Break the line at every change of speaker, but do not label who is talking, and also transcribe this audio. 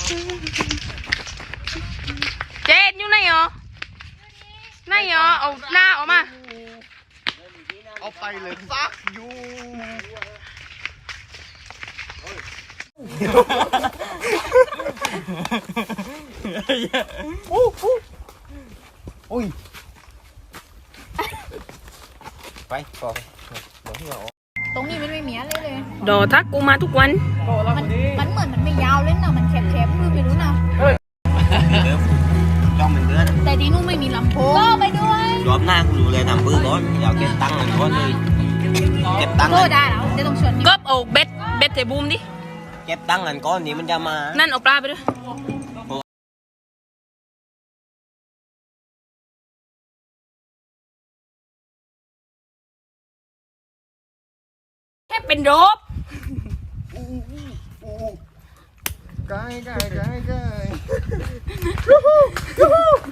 เจนอยู่ไหนเหรอไหนเหรอเอาหน้าออกมา
เอาไปเลยซักอยู่อุ้ยไปก่อน
ตรงนี้มันไม่มีอะไรเลย
ดอทักกูมาทุกวัน
มันเหมือนมันไม่ยาวเลยนะมันแคบๆไม่รู้นะ
จ้องเป็นเดือน
แต่ที่นู่นไม่มีลำโพงก็ไปด้วย
รอบหน้ากูดูเลยทำปื้อก่อนอยากเก็บตังค์เงินก่อนเลยเก็บตังค์
โทษได้แล้วเดี๋ยวต้องชวน
ก็เอาเบ็ดเทบูมดิ
เก็บตังค์เงินก้อนนี้มันจะมา
นั่นเอาปลาไปด้วยแค่เป็นโรบ
ไกล